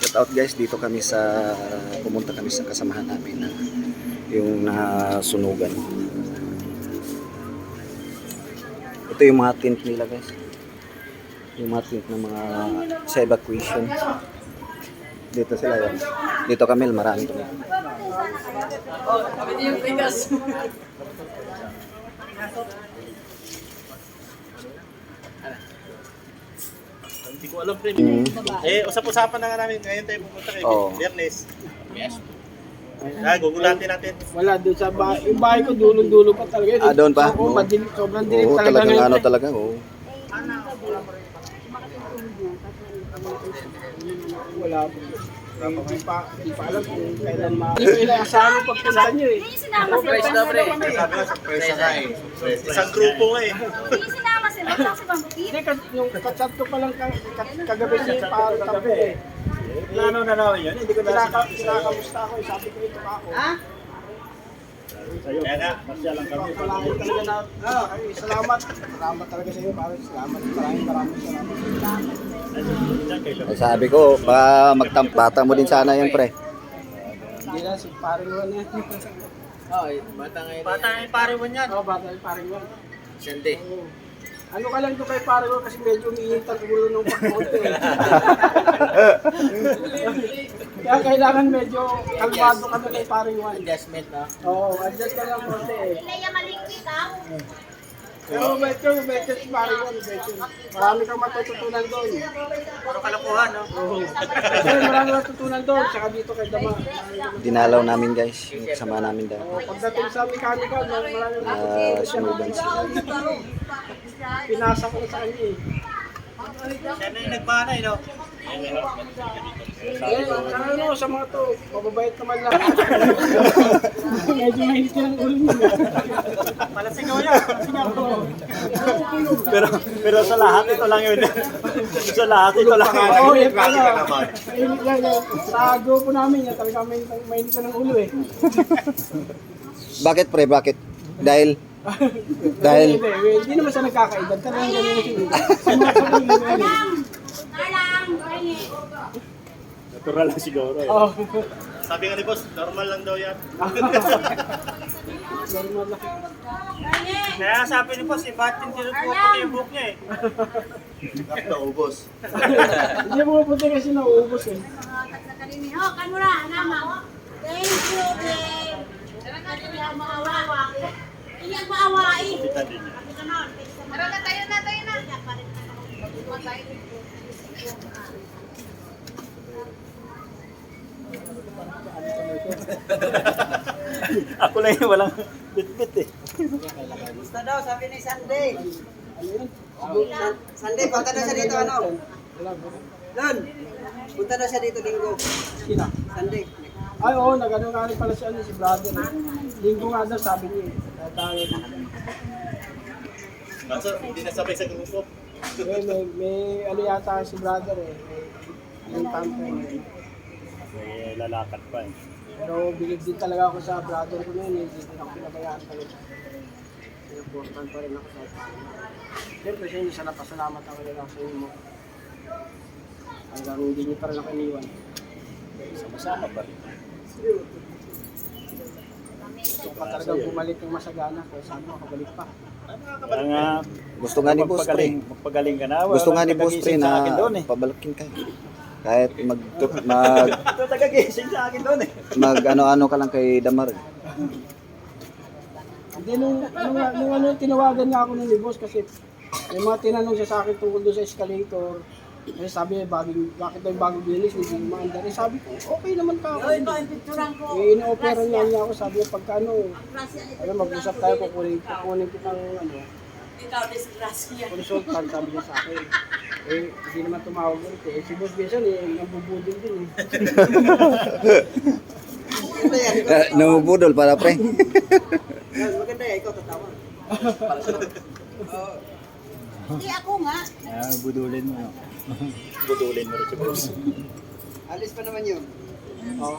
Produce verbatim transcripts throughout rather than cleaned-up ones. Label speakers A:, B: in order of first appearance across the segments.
A: shout out guys, dito kami sa pumunta kami sa kasamahan namin na yung nasunugan. Ito yung mga tent nila guys. Yung mga tent ng mga sa evacuation. Dito sila yan. Dito kami, marami kami.
B: Hindi ko alam, pre. Mm. Eh, usap-usapan na nga namin. Ngayon tayo pumunta kay
A: Oo.
B: Biyernes. Yes. Ah, gugulatin natin.
C: Wala, doon sa bahay. Yung bahay ko, dulong-dulo pa talaga.
A: Ah, doon pa?
C: Oo,
A: Oo.
C: madilim, sobrang dilim
A: Oo,
C: talaga.
A: talagang
C: ngayon,
A: ano
C: eh.
A: talaga. Oo.
C: Wala po. Eh, Hindi pa, hindi pa alam kung kailan ma... Hindi ko inaasahan yung pagpunta nyo eh.
D: Hindi sinama si
B: Sabi nga, surprise na eh. Isang grupo nga eh.
D: Hindi sinama si Bang si Bang
C: Hindi, kas- yung kachat ko palang ka- ka- kagabi niya para tabi eh.
B: Plano na namin yun. Hindi ko na
C: Kinaka- Kinakamusta ako eh, sabi ko ito ako. Ha?
B: Kaya nga, masya lang kami.
C: Malaking talaga na, ah, ay, salamat. Salamat talaga sa iyo, parang salamat. Maraming maraming salamat.
A: Ay, sabi ko, baka magtampata mo din sana yan pre.
C: Hindi na, si paring Juan yan.
E: Oh, bata ngayon.
B: Bata yung pare mo niyan.
C: Oo, bata yung paring Juan.
E: Sende.
C: Oo. Ano ka lang doon kay paring Juan kasi medyo umiinit ang ulo ng pagkote eh. Kaya kailangan medyo kalmado ka na kay paring Juan.
E: Adjustment, no?
C: Oo, adjust ka lang konti eh.
D: Leia Malingki ka.
C: Pero mabait ka, mabait ka si paring Juan, mabait yun. Marami kang matututunan doon.
B: Puro kalokohan, no?
C: Oo. Kasi marami matutunan doon, tsaka dito kay Dama.
A: Dinalaw namin guys, yung kasama namin daw.
C: Oo, pagdating sa mechanical, marami
A: Ah, sunugan sila.
C: pinasa ko na sa kanya eh.
B: Siya na yung nagbanay, no?
C: Eh, sa ano, sa mga to, mababait naman lang. Medyo mainit ka ng ulo niya.
B: Pala sigaw yan. pero, pero sa lahat, ito lang yun. sa lahat, ito lang yun.
C: Oo, yan pala. Mainit lang yan. Sa grupo namin, yan talaga mainit, mainit ka ng ulo eh.
A: Bakit pre, bakit? Dahil, dahil,
C: Hindi, hindi, hindi naman siya nagkakaedad. Talagang ganyan yung sinulit. Sa mga pamilya na yun.
D: Alang, Rene.
B: Natural lang siguro. Eh.
C: Oo.
B: Sabi nga ni boss, normal lang daw yan.
C: Normal lang.
B: Kaya sabi ni boss, iba't yung tinutuwa yung book niya eh. Naubos.
C: Hindi mo pupunta kasi nauubos eh.
D: Oh, kanura, nama. Thank you, babe. Iyan maawa. Iyan maawain. Tara na, tayo na, tayo na.
B: Ako lang yung walang bit-bit eh.
E: Gusto daw, sabi ni Sunday.
C: Ano yun?
E: San- Sunday, punta daw siya dito, ano? Doon. Punta daw siya dito, linggo.
C: Sina?
E: Sunday.
C: Ay, oo, nag-ano nga rin pala si, ano, si brother. eh. Linggo nga daw, sabi niya. eh. Tayo.
B: Kaso, hindi nasabay sa grupo.
C: May, may, may ano yata si brother eh. May yung tampo eh.
B: May lalakad pa eh.
C: Pero bilib din talaga ako sa brother ko na yun. Hindi din ako pinabayaan talaga. Important pa rin ako sa atin. Siyempre siya hindi siya napasalamat ako nila sa inyo. Hanggang hindi niyo pa rin ako iniwan.
B: Sama-sama pa rin.
C: So pa talaga bumalik yung masagana. Kaya sabi ko, kabalik pa.
B: Kaya nga,
A: gusto nga ni boss pre.
B: magpagaling ka na.
A: Gusto nga ni boss pre na
B: doon eh.
A: pabalikin ka. Kahit mag, mag,
B: Ito tagagising sa akin doon eh.
A: mag ano-ano ka lang kay Damar. eh.
C: Hindi nung, nung, nung ano, tinawagan nga ako ng ni boss kasi may mga tinanong siya sa akin tungkol doon sa escalator. Eh sabi niya, bagong, bakit daw yung bagong bilis, hindi maandar. Eh sabi ko, okay naman ka ako. Eh ino-opera niya niya ako, sabi niya, pagka ano, ano mag-usap tayo, kukunin, kukunin kitang ano, consultant, sabi niya sa akin. Eh, hindi naman tumawag ulit eh. Si boss minsan eh, nabubudol din eh.
A: Uh, namubudol para pre.
E: Yan, maganda eh, ikaw tatawa.
D: Hindi ako nga.
B: Ah, budulin mo. budulin mo rin si boss.
E: Alis pa naman yun.
C: Oo.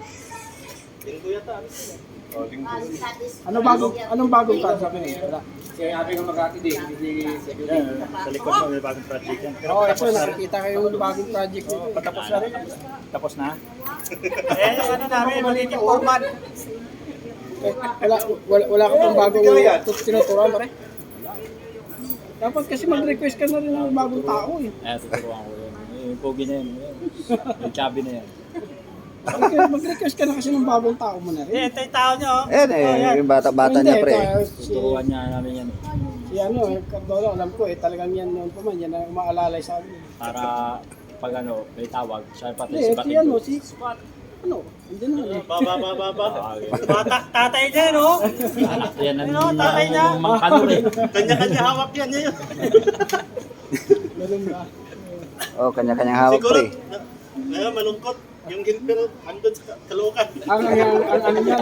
B: Linggo yata.
D: Malis sa dis-
C: Ano bagong, anong bagong card sabi niya? Wala. Kaya sabi nga Makati din, hindi
B: Yan, sa likod mo may bagong project yan. Pero
C: Oo, ito,
B: tapos na rin.
C: nakikita kayo yung bagong project nito.
B: Oh, patapos na rin. Tapos na? eh, ano namin, magiging format.
C: Eh, wala, wala, wala ka pang bagong tinuturuan pare. Dapat kasi mag-request ka na rin ng bagong tao eh.
B: Eh, tuturuan ko yun. Yung pogi na yun. Yung chubby na yan.
C: Mag- Mag-request ka na kasi ng bagong tao mo na rin.
B: Eh, ito yung tao niyo. oh.
A: Ayan eh, yung bata-bata
C: Hindi,
A: niya pre.
C: ito, si,
B: Tuturuan niya namin yan.
C: si ano, eh, Cardona, alam ko eh, talagang yan noon pa man, yan ang umaalalay sa amin.
B: Para pag ano, may tawag, siya pati
C: Hindi,
B: si
C: si ano,
B: Batin.
C: si, ano, hindi naman eh.
B: Baba, baba, baba. Bata, tatay niya, no? Anak yan ang
C: Ano,
B: tatay niya. Mga kanor eh.
F: Kanya-kanya hawak yan ngayon.
C: Ganun ba?
A: Oh, kanya-kanyang hawak
F: Siguro,
A: pre.
F: na, ngayon malungkot. Yung Gilbert andun sa Caloocan.
C: Ang, ang, ang, ang, ano niya,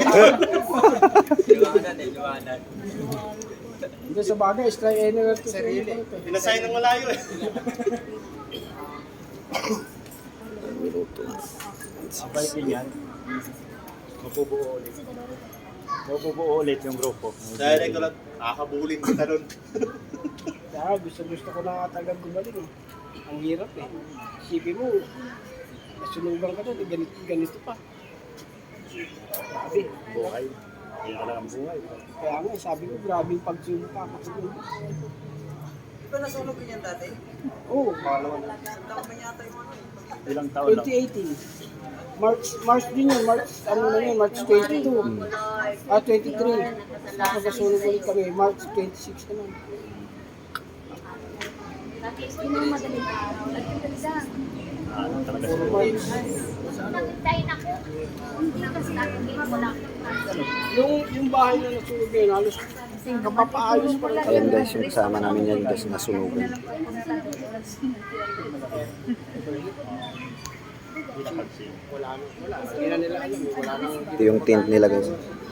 C: hindi sa bagay, try anywhere to sarili.
F: Pinasay ng malayo eh.
B: Ang balikin yan. Mapubuo ulit. Mapubuo ulit yung grupo.
F: Dahil ko lang, nakakabulin kita nun.
C: Kaya gusto gusto ko na talagang gumaling eh. Ang hirap eh. Isipin mo, nasunugan ka doon, eh, ganito, ganito pa. Grabe.
B: Buhay. Kaya ka lang ang buhay.
C: Kaya nga, eh, sabi ko, grabe yung pagsubok ka.
E: Di ba nasunog yan dati?
C: Oo,
E: Isang taon na yata yung ano.
B: Ilang taon lang.
C: twenty eighteen. March, March din yun, March, ano na yun, March twenty-two. Ah, twenty-three. Tapos nasunog ulit kami, March twenty-six naman.
D: Yun ang madaling araw. Nagtagdan.
B: Ano talaga
C: Puro
B: sila.
C: March.
D: Nagtayin ako. Hindi kasi natin wala.
C: Yung, yung bahay na nasunog yun, halos kapapaayos pa rin.
A: Ayan guys, yung kasama namin yan guys, nasunugan.
C: Wala na, wala. Hindi na nila alam, eh, wala na.
A: Ito yung tent nila guys.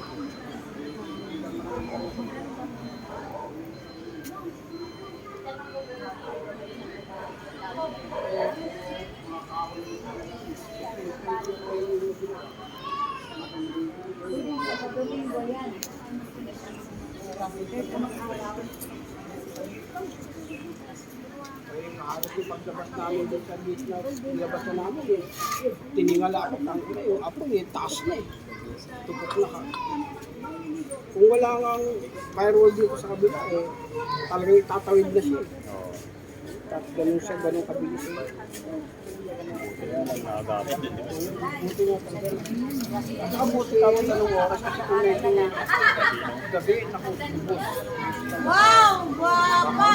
C: Halos yung paglabas namin doon sa beach na nilabas na namin eh. Tiningala ako, ang ina yung apo eh, taas na eh. Tupok na ka. Kung wala nga ang firewall dito sa kabila eh, talagang itatawid na siya eh. Tapos ganun siya, ganun kabilis eh. Buti nga talaga. At saka buti ka mo dalawang oras kasi kung medyo gabi, naku, bus.
D: Wow! Guwapa!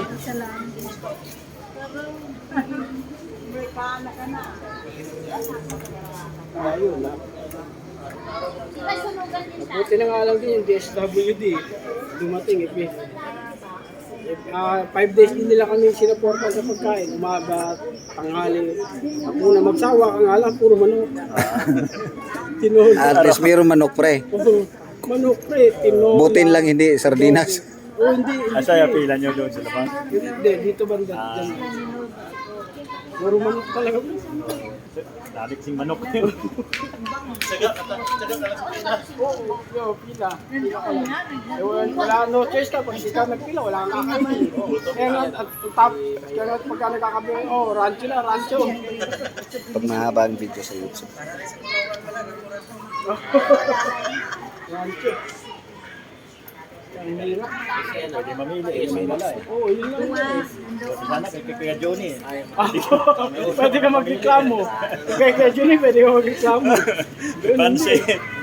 D: Amerikana ka na.
C: Ayun na.
D: May sunugan din siya.
C: Buti na nga lang din yung D S W D. Dumating eh. Ah, five days din nila kami sinaporta sa pagkain. Umaga, tanghali. Ako na magsawa ka nga lang, puro manok. Tinola.
A: At least mayroong manok pre.
C: Oo, manok pre, tinola.
A: Butin lang hindi sardinas.
C: Oo, hindi. hindi.
B: Asa yung pila nyo doon sa labas?
C: Hindi, dito banda. Dyan. Puro manok talaga.
B: Dalit sing manok.
F: Saga, saga ka lang sa Pinas.
C: Oo, yo, pila. Pila ka lang. Eh, wala, wala no choice ka. Pag hindi ka nagpila, wala kang kakain. Kaya nga, at top, kaya nga pagka nagkakabi, oh, rancho na, rancho.
A: Pag mahaba ang video sa YouTube.
C: Rancho. Ang hirap.
B: Pwede mamili. Eh, may wala eh.
C: Oo, yun lang yun eh.
B: Sana kay Kuya Johnny eh.
C: Pwede ka magreklamo. Kaya kaya Juni, pwede ka magreklamo.
B: Pansin.